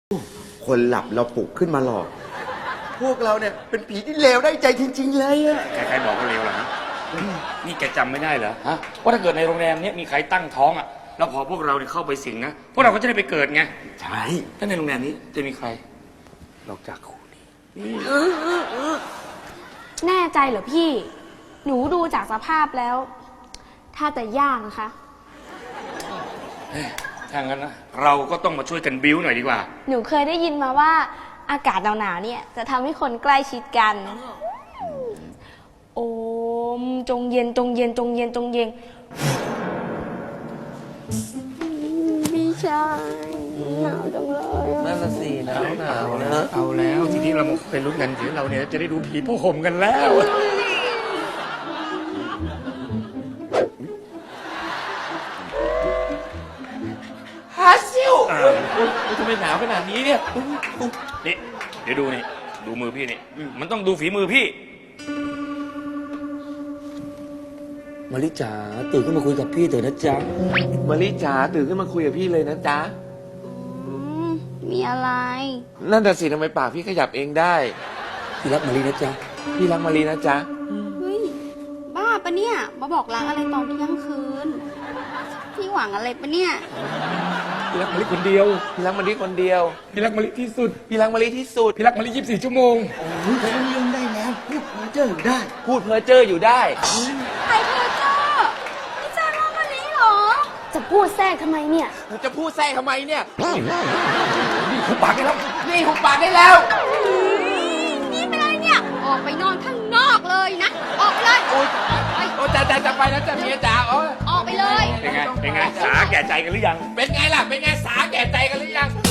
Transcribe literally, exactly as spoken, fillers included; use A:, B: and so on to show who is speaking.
A: คนหลับเราปลุกขึ้นมาหลอก พวกเราเนี่ยเป็นผีที่เลวได้ใจจริงๆเลยอะ
B: ใครๆบอกว่าเลวเหรอฮะนี่แกจำไม่ได้เหรอฮะว่าถ้าเกิดในโรงแรมเนี้ยมีใครตั้งท้องอ่ะแล้วพอพวกเราเนี่ยเข้าไปสิงนะพวกเราก็จะได้ไปเกิดไง
A: ใช่
B: ถ้าในโรงแรมนี้จะมีใครนอกจากคู่นี้
C: แน่ใจเหรอพี่ หนูดูจากสภาพแล้ว ถ้าจะยากนะคะ
B: ถ้างั้นนะเราก็ต้องมาช่วยกันบิ้วหน่อยดีกว่า
C: หนูเคยได้ยินมาว่าอากาศหนาวๆเนี่ยจะทำให้คนใกล้ชิดกัน โอมจงเย็นจงเย็นจงเย็นจงเย็นพี่ชายหนาวจังเลยอะ
D: นั่นน่ะสิหนาวหนาวนะ
B: เอาแล้วทีนี้เรามาเป็นลุ้นกันทีเราเนี่ยจะได้ดูผีผ้าห่มกันแล้ว
D: ฮาซิลทำไมหนาวขนาดนี้เนี่ย
B: นี่เดี๋ยวดูนี่ดูมือพี่นี่มันต้องดูฝีมือพี่
D: มาริจ๋าตื่นขึ้นมาคุยกับพี่เถอะนะจ๊ะมาริจ๋าตื่นขึ้นมาคุยกับพี่เลยนะจ๊ะ
C: อืมมีอะไร
D: นั่นแต่ะสิทำไมปากพี่ขยับเองได้พี่รักมารินะจ๊ะพี่รักมารินะจ๊ะ
E: เฮ้ย บ้าปะเนี่ย มาบอกรักอะไรตอนเที่ยงคืน พี่หวังอะไรปะเนี่ย
B: พี่รักมะลิคนเดียว
D: พี่รักมาริคนเดียว
B: พี่รักมะลิที่สุด
D: พี่รักมาริที่สุด
B: พี่รักมะลิยี่สิบสี่ชั่วโมง
A: โอ้ยเขาเรื่องได้แล้วพูดเพอเจออยู่ได้
D: พูดเพ้อเจ้ออยู่ได้
E: ใครเพอเจ้าพี่เจ้าน้องมะลิเหรอ
C: จะพูดแทรกทำไมเนี่ย
D: จะพูดแทรกทำไมเนี่ย
B: นี่เขาปากกันแล้ว
D: นี่หุบปากได้แล้ว
E: นี่เป็นอะไรเนี่ย ออกไปนอนข้างนอกเลยนะ ออกไปเลย
D: โอ๊ย
E: ไป
D: โอ้จะจะจะไปแล้วจ้ะเมียจ๋าโอ้ย
E: ออกไปเลย
B: เป็นไงเป็นไงสาแก่ใจกันหรือยัง
D: เป็นไงล่ะ เป็นไงสาแก่ใจกันหรือยัง